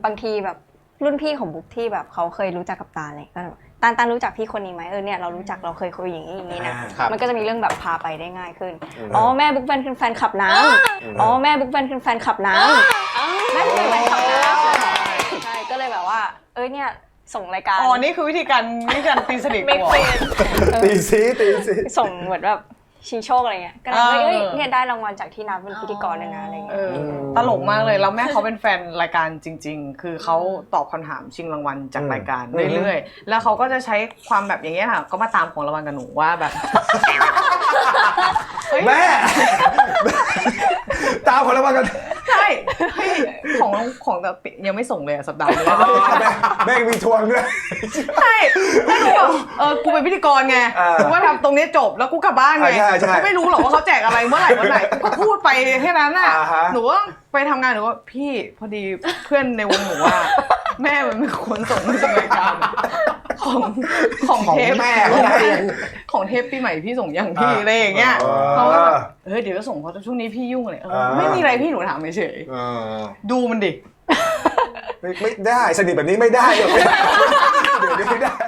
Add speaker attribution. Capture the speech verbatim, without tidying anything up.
Speaker 1: บางทีแบบรุ่นพี่ของบุ๊กที่แบบเขาเคยรู้จักกับตาอะไรก็แบบตาลตาลรู้จักพี่คนนี้ไหมเออเนี่ยเรารู้จักเราเคยคุยอย่างนี้อย่างนี้นะมันก็จะมีเรื่องแบบพาไปได้ง่ายขึ้นอ๋อแม่บุ๊กเป็นแฟนคลับน้ำอ๋อแม่บุ๊กเป็นแฟนคลับน้ำแม่เป็นแฟนคลับน้ำใช่ก็เลยแบบว่าเอ้ยเนี่ยส่งรายการ
Speaker 2: อ๋อนี่คือวิธีการวิธีการตีสนิทกู
Speaker 3: ตีซีตีซี
Speaker 1: ส่งเหมือนแบบชิงโชคอะไรเงี้ยก็เลยเฮ้ยเนี่ยได้รางวัลจากที่นับเป็นพิธีกรเลยนะอะไรเงี้ย
Speaker 2: ตลกมากเลยแล้วแม่เขาเป็นแฟนรายการจริงๆคือเขาตอบคำถามชิงรางวัลจากรายการเรื่อยๆแล้วเขาก็จะใช้ความแบบอย่างเงี้ยค่ะก็มาตามของรางวัลกับหนูว่าแบบ
Speaker 3: แม่ตามของรางวัลกัน
Speaker 2: ใช่ของของแต่ยังไม่ส่งเลยสัปดาห์นี้
Speaker 3: แม่มีทวงด้วย
Speaker 2: ใช่แล้วหนูแบบเออกูเป็นพิธีกรไงกูว่าทำตรงนี้จบแล้วกูกลับบ้านไงกูไม่รู้หรอกว่าเขาแจกอะไรเมื่อไหร่วันไหนกูก็พูดไปแค่นั้นน่ะหนูว่าไปทำงานหนูว่าพี่พอดีเพื่อนในวงหนูว่าแม่มันเป็นคนส่งมาจากรายการของของเทป
Speaker 3: แม่
Speaker 2: ของเทปปีใหม่พี่ส่งยังพี่อะไรอย่างเงี้ยเขาก็เออเดี๋ยวก็ส่งเพราะช่วงนี้พี่ยุ่งเลยไม่มีอะไรพี่หนูถามเฉยดูมันดิ
Speaker 3: ไม่ได้สนิทแบบนี้ไม่ได้เดี๋ยวนี้ไม่ได้